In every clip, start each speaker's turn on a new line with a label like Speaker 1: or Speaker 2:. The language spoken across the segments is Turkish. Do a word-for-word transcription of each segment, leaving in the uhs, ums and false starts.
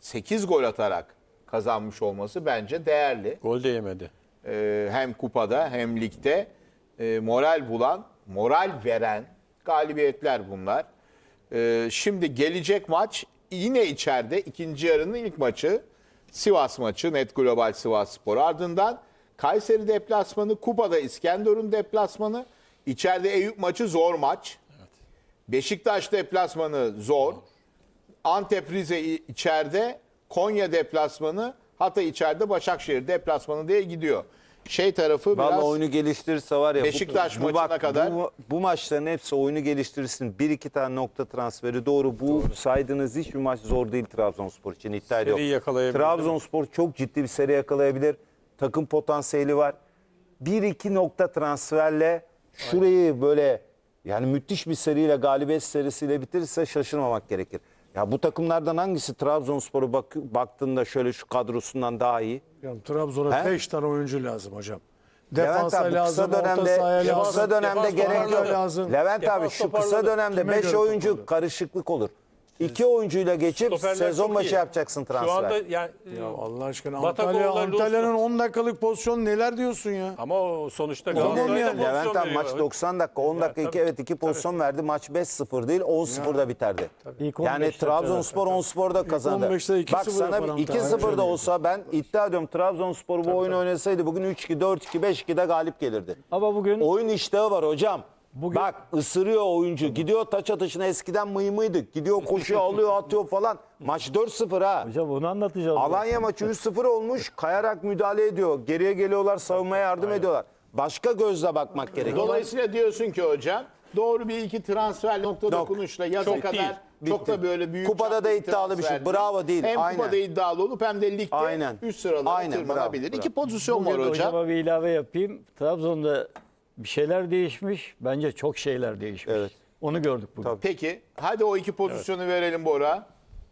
Speaker 1: sekiz gol atarak kazanmış olması bence değerli.
Speaker 2: Gol de yemedi.
Speaker 1: Ee, hem kupada hem ligde e, moral bulan, moral veren galibiyetler bunlar. Ee, şimdi gelecek maç yine içeride ikinci yarının ilk maçı Sivas maçı, Net Global Sivasspor. Ardından Kayseri deplasmanı, kupada İskenderun deplasmanı, içeride Eyüp maçı zor maç. Evet. Beşiktaş deplasmanı zor. Antep Rize içeride, Konya deplasmanı, Hatay içeride, Başakşehir deplasmanı diye gidiyor. Şey tarafı
Speaker 3: Vallahi
Speaker 1: biraz
Speaker 3: oyunu geliştirirse var ya
Speaker 1: Beşiktaş
Speaker 3: bu, bu,
Speaker 1: maçına
Speaker 3: bak,
Speaker 1: kadar.
Speaker 3: bu, bu maçların hepsi oyunu geliştirirsin. Bir iki tane nokta transferi doğru. Bu doğru. Saydığınız hiçbir maç zor değil Trabzonspor için. İddia
Speaker 2: Seri
Speaker 3: yok.
Speaker 2: yakalayabilir.
Speaker 3: Trabzonspor çok ciddi bir seri yakalayabilir. Takım potansiyeli var. Bir iki nokta transferle şurayı böyle yani müthiş bir seriyle, galibiyet serisiyle bitirirse şaşırmamak gerekir. Ya bu takımlardan hangisi Trabzonspor'a bak, baktığında şöyle şu kadrosundan daha iyi?
Speaker 4: Ya, Trabzon'a
Speaker 3: He?
Speaker 4: beş tane oyuncu lazım hocam.
Speaker 3: Levent
Speaker 4: Defansa
Speaker 3: abi bu
Speaker 4: lazım,
Speaker 3: kısa
Speaker 4: orta
Speaker 3: dönemde,
Speaker 4: sahaya
Speaker 3: şu
Speaker 4: lazım.
Speaker 3: kısa dönemde
Speaker 2: Defans
Speaker 3: gerek yok.
Speaker 4: lazım.
Speaker 3: Levent abi
Speaker 2: Defans
Speaker 3: şu kısa
Speaker 2: toparladı.
Speaker 3: dönemde
Speaker 4: Kime
Speaker 3: beş
Speaker 4: göre
Speaker 3: oyuncu
Speaker 4: toparladı?
Speaker 3: karışıklık olur. İki oyuncuyla geçip
Speaker 2: Stoperler
Speaker 3: sezon
Speaker 2: çok
Speaker 3: başı
Speaker 2: iyi.
Speaker 3: yapacaksın transfer.
Speaker 2: Şu anda yani
Speaker 4: Ya Allah aşkına
Speaker 2: Batakoğlu'la
Speaker 4: Antalya,
Speaker 2: Luz-
Speaker 4: Antalya'nın on dakikalık pozisyonu neler diyorsun ya?
Speaker 2: ama o sonuçta
Speaker 4: Tamam
Speaker 2: Galatasaray'da
Speaker 4: yani.
Speaker 2: pozisyon
Speaker 3: Levent abi
Speaker 2: veriyor.
Speaker 3: maç doksan dakika, on dakika
Speaker 2: tabii.
Speaker 3: iki evet iki pozisyon verdi. Maç beş sıfır değil on sıfırda biterdi.
Speaker 5: İlk on
Speaker 3: Yani
Speaker 5: beş dakika
Speaker 3: Trabzonspor on sıfırda kazandı.
Speaker 4: on beşte iki
Speaker 3: Bak
Speaker 4: sıfır
Speaker 3: sana
Speaker 4: yapan
Speaker 3: iki
Speaker 4: Antalya.
Speaker 3: sıfırda olsa ben iddia ediyorum Trabzonspor bu oyunu oynasaydı bugün üç iki, dört iki, beş iki'de galip gelirdi.
Speaker 5: Ama bugün
Speaker 3: Oyun iştahı var hocam.
Speaker 5: Bugün-
Speaker 3: Bak ısırıyor oyuncu. Gidiyor taç atışına eskiden mıymıydık. Gidiyor koşuyor alıyor atıyor falan. Maç dört sıfır ha.
Speaker 5: hocam onu anlatacağım.
Speaker 3: Alanya maçı üç sıfır olmuş. Kayarak müdahale ediyor. Geriye geliyorlar savunmaya yardım ediyorlar. Başka gözle bakmak gerekiyor.
Speaker 1: Dolayısıyla diyorsun ki hocam doğru bir iki transfer nokta
Speaker 3: Yok.
Speaker 1: dokunuşla yaza
Speaker 2: Çok
Speaker 1: kadar
Speaker 2: değil.
Speaker 1: çok
Speaker 3: Bitti.
Speaker 1: da böyle büyük
Speaker 3: Kupada
Speaker 1: çaplı
Speaker 3: da iddialı bir şey.
Speaker 1: transfer
Speaker 3: Bravo değil.
Speaker 1: Hem
Speaker 3: Aynen.
Speaker 1: kupada iddialı olup hem de ligde
Speaker 3: Aynen.
Speaker 1: üst sıralara
Speaker 3: Aynen,
Speaker 1: tırmanabilir.
Speaker 3: bravo,
Speaker 1: İki
Speaker 3: bravo.
Speaker 1: pozisyon var
Speaker 5: Bugün
Speaker 1: hocam.
Speaker 5: hocama bir ilave yapayım. Trabzon'da bir şeyler değişmiş. Bence çok şeyler değişmiş.
Speaker 3: Evet.
Speaker 5: Onu gördük bugün.
Speaker 3: Tabii.
Speaker 1: Peki hadi o iki pozisyonu verelim Bora.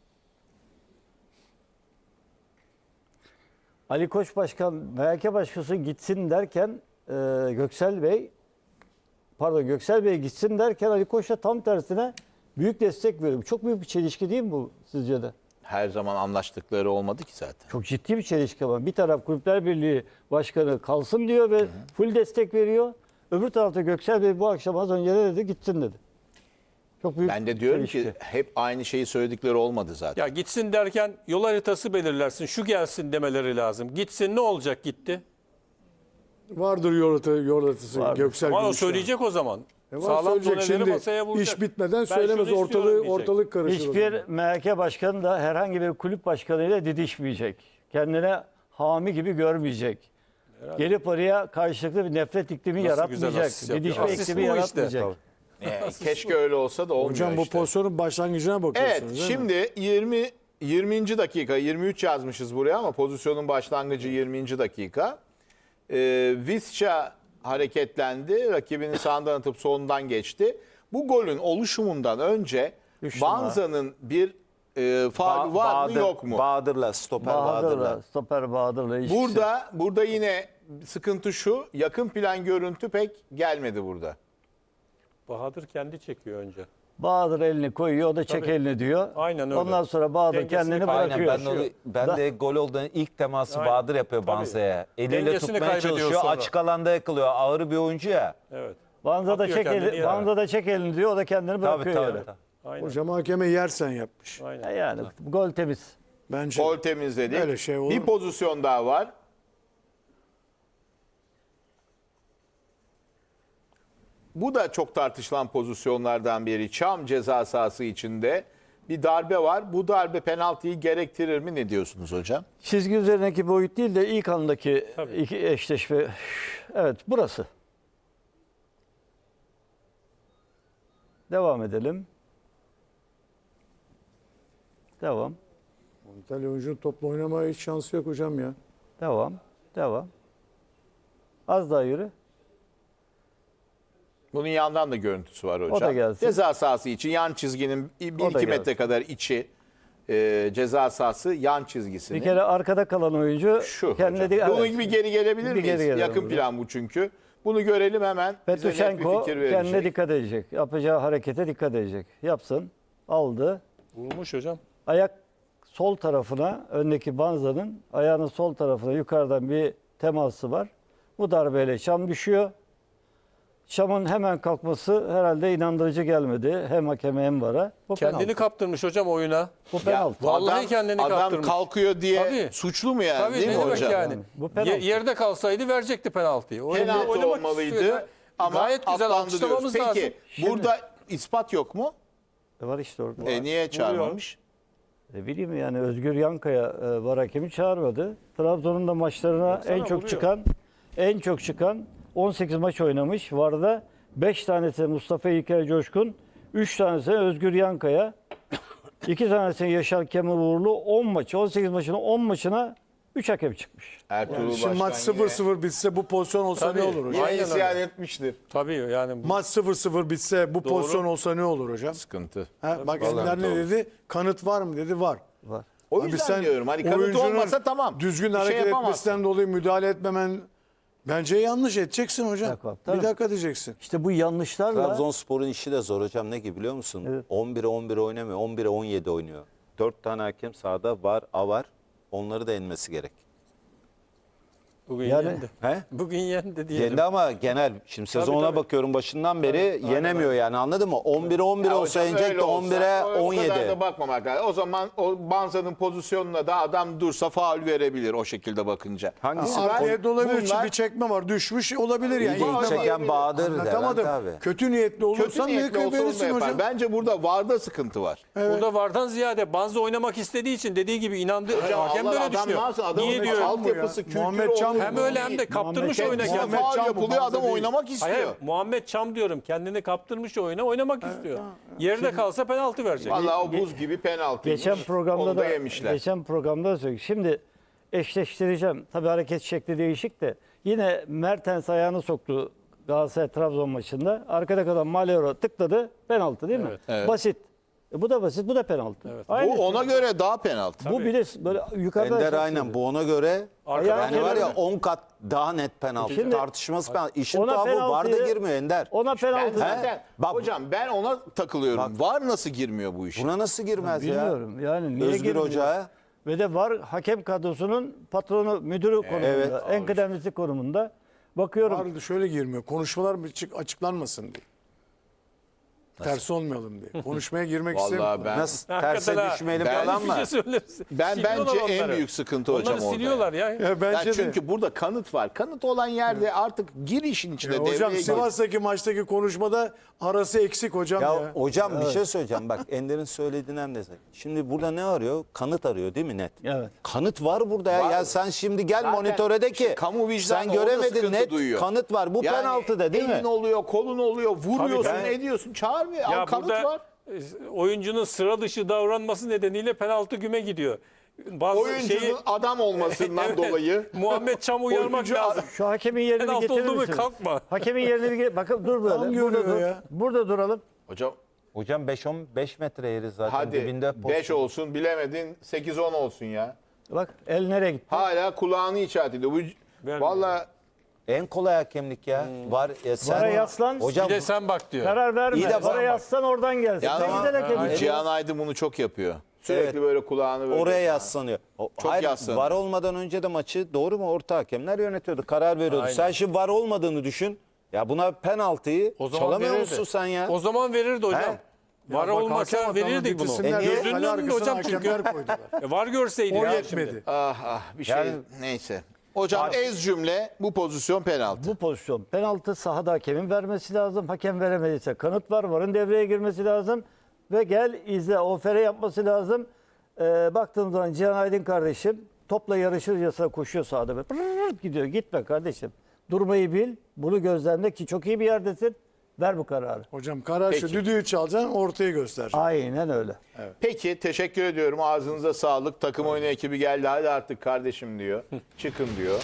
Speaker 5: Ali Koç Başkan, M H K Başkası gitsin derken e, Göksel Bey, pardon Göksel Bey gitsin derken Ali Koç da tam tersine büyük destek veriyor. Çok büyük bir çelişki değil mi bu sizce de?
Speaker 1: Her zaman anlaştıkları olmadı ki zaten.
Speaker 5: Çok ciddi bir çelişki var. Bir taraf Kulüpler Birliği Başkanı kalsın diyor ve full destek veriyor. Öbür tarafta Göksel Bey bu akşam az önce ne dedi? Gitsin dedi. Çok büyük
Speaker 1: Ben de diyorum ki
Speaker 5: çelişki.
Speaker 1: hep aynı şeyi söyledikleri olmadı zaten.
Speaker 2: Ya gitsin derken yol haritası belirlersin. Şu gelsin demeleri lazım. Gitsin ne olacak gitti?
Speaker 4: Vardır yordatı, yordatısı
Speaker 5: Vardır.
Speaker 4: Göksel
Speaker 2: Ama o
Speaker 4: Gümüşler.
Speaker 2: söyleyecek o zaman.
Speaker 4: E var,
Speaker 2: Sağlam
Speaker 4: söyleyecek.
Speaker 2: doneleri
Speaker 4: Şimdi
Speaker 2: masaya vuracak.
Speaker 4: iş bitmeden
Speaker 2: Ben
Speaker 4: söylemez.
Speaker 2: şunu
Speaker 4: Ortalığı,
Speaker 2: istiyorum diyecek.
Speaker 4: ortalık karışır. o
Speaker 5: Hiçbir
Speaker 4: zaman.
Speaker 5: M H K Başkanı da herhangi bir kulüp başkanıyla didişmeyecek. Kendine hami gibi görmeyecek. Gelip oraya karşılıklı bir nefret iklimi
Speaker 2: Nasıl güzel
Speaker 5: yaratmayacak.
Speaker 2: asist yapıyor.
Speaker 5: Didişme
Speaker 2: Asist
Speaker 5: iklimi
Speaker 2: bu işte.
Speaker 5: yaratmayacak.
Speaker 1: Ee, keşke öyle olsa da olmuyor
Speaker 4: Hocam bu
Speaker 1: işte.
Speaker 4: pozisyonun başlangıcına bakıyorsunuz
Speaker 1: Evet
Speaker 4: değil mi?
Speaker 1: şimdi yirmi yirminci dakika yirmi üç yazmışız buraya ama pozisyonun başlangıcı yirminci dakika. Ee, Visca hareketlendi. Rakibini sağından atıp solundan geçti. Bu golün oluşumundan önce
Speaker 5: Üç numara.
Speaker 1: Banza'nın bir e, faulü
Speaker 3: Ba-
Speaker 1: var mı
Speaker 3: Bahadır-
Speaker 1: yok mu?
Speaker 3: Bahadır'la, stoper Bahadır'la.
Speaker 5: Bahadır'la, stoper Bahadır'la ilişkisi.
Speaker 1: Burada burada yine sıkıntı şu. Yakın plan görüntü pek gelmedi burada.
Speaker 2: Bahadır kendi çekiyor önce.
Speaker 5: Bahadır elini koyuyor, o da çek
Speaker 2: Tabii.
Speaker 5: elini diyor.
Speaker 2: Aynen öyle.
Speaker 5: Ondan sonra Bahadır
Speaker 2: Dengesini
Speaker 5: kendini
Speaker 2: kaybediyor.
Speaker 3: Aynen
Speaker 5: bırakıyor.
Speaker 3: ben, onu, ben
Speaker 5: Da-
Speaker 3: de gol olduğunda ilk teması
Speaker 2: Aynen.
Speaker 3: Bahadır yapıyor
Speaker 2: Tabii.
Speaker 3: Banza'ya. Eliyle
Speaker 2: Dengesini
Speaker 3: tutmaya
Speaker 2: kaybediyor
Speaker 3: çalışıyor.
Speaker 2: sonra.
Speaker 3: Açık alanda yakalıyor. Ağır bir oyuncu ya.
Speaker 2: Evet.
Speaker 5: Banza da
Speaker 2: Atıyor
Speaker 5: çek
Speaker 2: kendini
Speaker 5: eli,
Speaker 2: yere.
Speaker 5: Banza da çek elini diyor, o da kendini
Speaker 3: Tabii
Speaker 5: bırakıyor
Speaker 3: tabii.
Speaker 5: yere.
Speaker 3: tabii.
Speaker 2: Aynen.
Speaker 4: Hocam hakeme yersen yapmış.
Speaker 2: Aynen.
Speaker 5: E Yani gol temiz.
Speaker 4: Bence.
Speaker 1: Gol temizledik.
Speaker 4: Öyle şey olur
Speaker 1: bir
Speaker 4: mu?
Speaker 1: pozisyon daha var. Bu da çok tartışılan pozisyonlardan biri. Çam ceza sahası içinde bir darbe var. Bu darbe penaltıyı gerektirir mi? Ne diyorsunuz hocam?
Speaker 5: Çizgi üzerindeki boyut değil de ilk andaki
Speaker 2: Tabii.
Speaker 5: iki eşleşme. Evet, burası. Devam edelim. Devam.
Speaker 4: Antalya oyuncunun topla oynamaya hiç şansı yok hocam ya.
Speaker 5: Devam. Devam. Az daha yürü.
Speaker 1: Bunun yandan da görüntüsü var hocam.
Speaker 5: O da gelsin.
Speaker 1: Ceza sahası için yan çizginin bir
Speaker 5: O da
Speaker 1: iki metre
Speaker 5: gelsin.
Speaker 1: kadar içi e, ceza sahası yan çizgisini.
Speaker 5: Bir kere arkada kalan oyuncu
Speaker 1: Şu
Speaker 5: kendine
Speaker 1: hocam.
Speaker 5: de-
Speaker 1: Bunu
Speaker 5: evet.
Speaker 1: bir geri gelebilir
Speaker 5: Bir
Speaker 1: miyiz?
Speaker 5: geri gelelim
Speaker 1: Yakın
Speaker 5: hocam.
Speaker 1: plan bu çünkü. Bunu görelim hemen. Bize net bir
Speaker 5: Petrušenko
Speaker 1: fikir
Speaker 5: kendine
Speaker 1: verecek.
Speaker 5: dikkat edecek. Yapacağı harekete dikkat edecek. Yapsın. Aldı.
Speaker 2: Vurmuş hocam.
Speaker 5: Ayak sol tarafına, öndeki Banza'nın ayağının sol tarafına yukarıdan bir teması var. Bu darbeyle Şam düşüyor. Şam'ın hemen kalkması herhalde inandırıcı gelmedi. Hem hakeme hem vara. Bu
Speaker 2: Kendini
Speaker 5: penaltı.
Speaker 2: kaptırmış hocam oyuna.
Speaker 5: Bu penaltı.
Speaker 2: Vallahi
Speaker 1: adam,
Speaker 2: kendini
Speaker 1: adam
Speaker 2: kaptırmış.
Speaker 1: kalkıyor diye
Speaker 2: Tabii.
Speaker 1: suçlu mu yani
Speaker 2: Tabii
Speaker 1: değil
Speaker 2: ne
Speaker 1: mi
Speaker 2: demek
Speaker 1: hocam?
Speaker 2: yani?
Speaker 5: Bu penaltı.
Speaker 2: Ye- yerde kalsaydı verecekti penaltıyı. Oyun-
Speaker 1: Penaltı
Speaker 2: oynamak
Speaker 1: olmalıydı
Speaker 2: istiyor.
Speaker 1: ama
Speaker 2: Gayet güzel
Speaker 1: atlandı
Speaker 2: alkışlamamız
Speaker 1: diyoruz. Peki
Speaker 2: lazım.
Speaker 1: burada ispat yok mu?
Speaker 5: E var işte orada.
Speaker 1: E, niye çağırmamış?
Speaker 5: Ne bileyim yani Özgür Yankaya e, var hakemi çağırmadı. Trabzon'un da maçlarına en çok
Speaker 2: vuruyor.
Speaker 5: çıkan en çok çıkan on sekiz maç oynamış. Varda beş tanesi Mustafa İlker Coşkun, üç tanesi Özgür Yankaya, iki tanesi Yaşar Kemal Uğurlu. on maç, on sekiz maçına on maçına üç hakem çıkmış.
Speaker 1: Ertuğrul
Speaker 4: Şimdi maç
Speaker 1: Başkan
Speaker 4: sıfır sıfır bitse bu pozisyon olsa
Speaker 2: Tabii.
Speaker 4: ne olur hocam?
Speaker 1: yine,
Speaker 2: Aynen
Speaker 1: yine
Speaker 2: öyle.
Speaker 1: isyan etmiştir.
Speaker 2: Tabii yani
Speaker 4: Maç sıfır sıfır bitse bu pozisyon olsa ne olur hocam?
Speaker 1: Sıkıntı.
Speaker 4: Ha, bak Ender ne dedi? Kanıt var mı dedi? Var.
Speaker 5: Var.
Speaker 1: O
Speaker 4: Abi
Speaker 1: yüzden
Speaker 4: sen
Speaker 1: diyorum hani kanıt
Speaker 4: oyuncunun
Speaker 1: olmasa tamam.
Speaker 4: Düzgün
Speaker 1: Bir şey
Speaker 4: hareket
Speaker 1: yapamazsın.
Speaker 4: etmesinden dolayı müdahale etmemen bence yanlış edeceksin hocam.
Speaker 5: Bak, bak, tabii.
Speaker 4: Bir dakika diyeceksin.
Speaker 5: İşte bu yanlışlarla
Speaker 3: Trabzonspor'un işi de zor hocam, ne gibi biliyor musun?
Speaker 5: Evet.
Speaker 3: on bire on bir oynamıyor, on bire on yedi oynuyor. dört tane hakem sahada var, A var. Onları da yenmesi gerek.
Speaker 2: bugün
Speaker 5: Yani-
Speaker 2: yendi.
Speaker 3: He?
Speaker 2: Bugün yendi diyelim.
Speaker 3: Yendi ama genel, şimdi sezona
Speaker 2: tabii.
Speaker 3: bakıyorum başından beri yenemiyor yani, anladın mı? on bire on bir
Speaker 1: Ya
Speaker 3: olsa
Speaker 1: hocam
Speaker 3: yenecek
Speaker 1: öyle
Speaker 3: de
Speaker 1: olsa,
Speaker 3: on bire
Speaker 1: o-
Speaker 3: on
Speaker 1: O kadar
Speaker 3: yedi.
Speaker 1: da bakmamak lazım. O zaman o Banza'nın pozisyonuna da adam dursa faul verebilir o şekilde bakınca.
Speaker 3: Hangisi?
Speaker 1: Bunlar-
Speaker 4: Art niyetli olabilir.
Speaker 1: bunlar-
Speaker 4: Bir çekme var. Düşmüş olabilir yani.
Speaker 3: İlk
Speaker 1: Var,
Speaker 3: çeken Bahadır
Speaker 4: Anlatamadım.
Speaker 3: Levent abi.
Speaker 4: Kötü niyetli
Speaker 1: Kötü
Speaker 4: olursan ne
Speaker 1: niyetli olsa onu da
Speaker 4: verirsin
Speaker 1: yapar.
Speaker 4: hocam?
Speaker 1: Bence burada VAR'da sıkıntı var.
Speaker 2: Burada vardan ziyade Banza oynamak istediği için dediği gibi inandı.
Speaker 1: Hocam
Speaker 2: Hakem
Speaker 1: Allah
Speaker 2: böyle
Speaker 1: adam ne
Speaker 2: düşünüyor.
Speaker 1: yapsın? Adamın
Speaker 2: Niye
Speaker 1: bir
Speaker 2: diyor?
Speaker 1: altyapısı, kültürü
Speaker 4: Muhammed Can
Speaker 1: olmuyor.
Speaker 2: Hem öyle hem de kaptırmış
Speaker 5: Muhammed-
Speaker 2: oyuna
Speaker 1: Kendisine
Speaker 2: kendini.
Speaker 4: Muhammed
Speaker 1: faul
Speaker 4: Can bu,
Speaker 1: yapılıyor
Speaker 4: Banza
Speaker 1: adam
Speaker 4: değil.
Speaker 1: oynamak istiyor.
Speaker 2: Hayır, Muhammed Çam diyorum. Kendini kaptırmış oyuna oynamak istiyor. Yerde kalsa penaltı verecek.
Speaker 1: Vallahi o buz gibi penaltıymış.
Speaker 5: geçen programda
Speaker 1: Onu
Speaker 5: da,
Speaker 1: da yemişler.
Speaker 5: geçen programda da söyledik. Şimdi eşleştireceğim. Tabii hareket şekli değişik de yine Mertens ayağını soktu Galatasaray Trabzon maçında. Arkada kalan Malero tıkladı. Penaltı değil mi?
Speaker 2: Evet.
Speaker 1: Evet.
Speaker 5: Basit. E bu da basit, bu da penaltı.
Speaker 2: Evet.
Speaker 5: Aynı
Speaker 1: Bu ona göre daha penaltı.
Speaker 5: Bu bir de böyle yukarıda
Speaker 3: Ender
Speaker 5: esas
Speaker 3: aynen
Speaker 5: dedi.
Speaker 3: bu ona göre
Speaker 2: Arkadan
Speaker 3: yani var ya
Speaker 5: gelen-
Speaker 3: on kat daha net penaltı.
Speaker 5: Şimdi-
Speaker 3: Tartışması penaltı. İşin
Speaker 5: Ona
Speaker 3: tuhafı var da
Speaker 5: penaltıyı-
Speaker 3: girmiyor Ender.
Speaker 5: Ona
Speaker 1: Ben
Speaker 5: penaltı.
Speaker 1: zaten
Speaker 3: Bak-
Speaker 1: hocam ben ona takılıyorum. VAR nasıl girmiyor bu işe?
Speaker 3: Buna nasıl girmez ya?
Speaker 5: Bilmiyorum yani niye
Speaker 3: Özgür
Speaker 5: girmiyor?
Speaker 3: Hoca'ya.
Speaker 5: Ve de var hakem kadrosunun patronu, müdürü konumunda.
Speaker 3: Evet.
Speaker 5: En kıdemlisi konumunda. Bakıyorum.
Speaker 4: Vardı şöyle girmiyor. Konuşmalar bir çık- açıklanmasın diye. Tersi olmayalım diye. Konuşmaya girmek
Speaker 1: Vallahi
Speaker 4: istemiyorum.
Speaker 1: ben
Speaker 3: Nasıl
Speaker 2: Hakikaten
Speaker 3: terse
Speaker 2: ha.
Speaker 3: düşmeyelim
Speaker 1: Ben-
Speaker 3: falan
Speaker 2: Bir
Speaker 3: mı?
Speaker 2: şey söylersin.
Speaker 1: Ben
Speaker 2: Siliyorlar
Speaker 1: bence en
Speaker 2: onları.
Speaker 1: büyük sıkıntı hocam
Speaker 2: Onları
Speaker 1: orada.
Speaker 2: siliyorlar ya.
Speaker 4: Ya
Speaker 1: Ya
Speaker 4: bence de.
Speaker 1: çünkü burada kanıt var. Kanıt olan yerde artık gir işin içine.
Speaker 4: Ya
Speaker 1: devreye
Speaker 4: hocam
Speaker 1: gir.
Speaker 4: Sivas'taki maçtaki konuşmada arası eksik hocam ya.
Speaker 3: Ya hocam bir şey söyleyeceğim bak, Ender'in söylediğinden de. Şimdi burada ne arıyor? Kanıt arıyor değil mi net?
Speaker 5: Evet.
Speaker 3: Kanıt var burada ya.
Speaker 1: Var.
Speaker 3: Ya sen şimdi gel
Speaker 1: Zaten
Speaker 3: monitöre de ki
Speaker 1: işte kamu vicdanı
Speaker 3: sen
Speaker 1: orada
Speaker 3: göremedin,
Speaker 1: sıkıntı
Speaker 3: net
Speaker 1: duyuyor.
Speaker 3: kanıt var. Bu
Speaker 1: Yani
Speaker 3: penaltı da değil
Speaker 1: elin
Speaker 3: mi?
Speaker 1: oluyor, kolun oluyor, vuruyorsun,
Speaker 2: Tabii.
Speaker 1: ediyorsun. Çağırmıyor.
Speaker 2: Ya
Speaker 1: Al, kanıt
Speaker 2: burada
Speaker 1: var.
Speaker 2: e, oyuncunun sıra dışı davranması nedeniyle penaltı güme gidiyor. Bazı
Speaker 1: Oyuncunun
Speaker 2: şeyi
Speaker 1: adam olmasından
Speaker 2: Evet.
Speaker 1: dolayı.
Speaker 2: Muhammed Çam uyarmak
Speaker 1: Oyuncu-
Speaker 2: lazım.
Speaker 5: Şu hakemin yerini bir
Speaker 2: Penaltı
Speaker 5: getirir
Speaker 2: oldu mu
Speaker 5: misiniz?
Speaker 2: kalkma.
Speaker 5: Hakemin yerini bir ge- bakın dur böyle.
Speaker 4: Tam
Speaker 5: Burada,
Speaker 4: görüyor
Speaker 5: dur.
Speaker 4: ya.
Speaker 5: Burada duralım.
Speaker 1: Hocam
Speaker 3: Hocam beş on beş metre yeri zaten
Speaker 1: hadi
Speaker 3: dibinde
Speaker 1: beş
Speaker 3: pozisyon.
Speaker 1: olsun bilemedin sekiz on olsun ya.
Speaker 5: Bak el nereye gitti?
Speaker 1: Hala kulağını işaret ediyor. Bu
Speaker 2: Vermiyor.
Speaker 1: valla
Speaker 3: En kolay hakemlik ya. Var ya sen.
Speaker 5: Vara yaslan.
Speaker 3: Hocam
Speaker 2: Bir de sen bak diyor.
Speaker 5: Karar verme.
Speaker 3: İyi de
Speaker 5: Vara
Speaker 3: bak-
Speaker 5: yaslan oradan gelsin.
Speaker 1: Ya
Speaker 5: Ne
Speaker 1: tamam.
Speaker 5: güzel hakem.
Speaker 2: Aynen.
Speaker 1: Cihan Aydın bunu çok yapıyor. Sürekli
Speaker 3: Evet.
Speaker 1: böyle kulağını böyle.
Speaker 3: oraya yaslanıyor. O-
Speaker 1: Çok
Speaker 3: Hayır,
Speaker 1: yaslanıyor.
Speaker 3: var olmadan önce de maçı doğru mu orta hakemler yönetiyordu. Karar veriyordu.
Speaker 2: Aynen.
Speaker 3: Sen şimdi var olmadığını düşün. Ya buna penaltıyı
Speaker 2: O zaman
Speaker 3: çalamıyor
Speaker 2: verirdi.
Speaker 3: musun sen ya?
Speaker 2: O zaman verirdi hocam.
Speaker 3: He?
Speaker 2: Var
Speaker 4: Ya bak,
Speaker 2: olmasa
Speaker 4: hakem hatamı
Speaker 2: verirdik bunu.
Speaker 4: bitirsinler
Speaker 3: E
Speaker 4: diye
Speaker 3: niye?
Speaker 2: Gözünün
Speaker 4: kale
Speaker 2: önünde
Speaker 4: arkasına
Speaker 2: hocam çünkü.
Speaker 4: hakemler koydular.
Speaker 2: E, var görseydi
Speaker 4: O
Speaker 2: ya
Speaker 4: yetmedi.
Speaker 2: şimdi.
Speaker 1: Ah ah bir şey
Speaker 3: Yani-
Speaker 1: neyse. Hocam ez cümle bu pozisyon penaltı.
Speaker 5: Bu pozisyon penaltı sahada hakemin vermesi lazım. Hakem veremediyse kanıt var. Varın devreye girmesi lazım. Ve gel izle. Ofere yapması lazım. Ee, baktığım zaman Cihan Aydın kardeşim topla yarışırcasına koşuyor sahada. Böyle pırrrt gidiyor. Gitme kardeşim. Durmayı bil. Bunu gözlemle ki çok iyi bir yerdesin. Ver bu kararı.
Speaker 4: Hocam karar şu
Speaker 1: Peki.
Speaker 4: düdüğü çalacaksın ortayı göstereceksin.
Speaker 5: Aynen öyle.
Speaker 1: Peki teşekkür ediyorum. Ağzınıza sağlık. Takım oyunu ekibi geldi. Hadi artık kardeşim diyor. Çıkın diyor.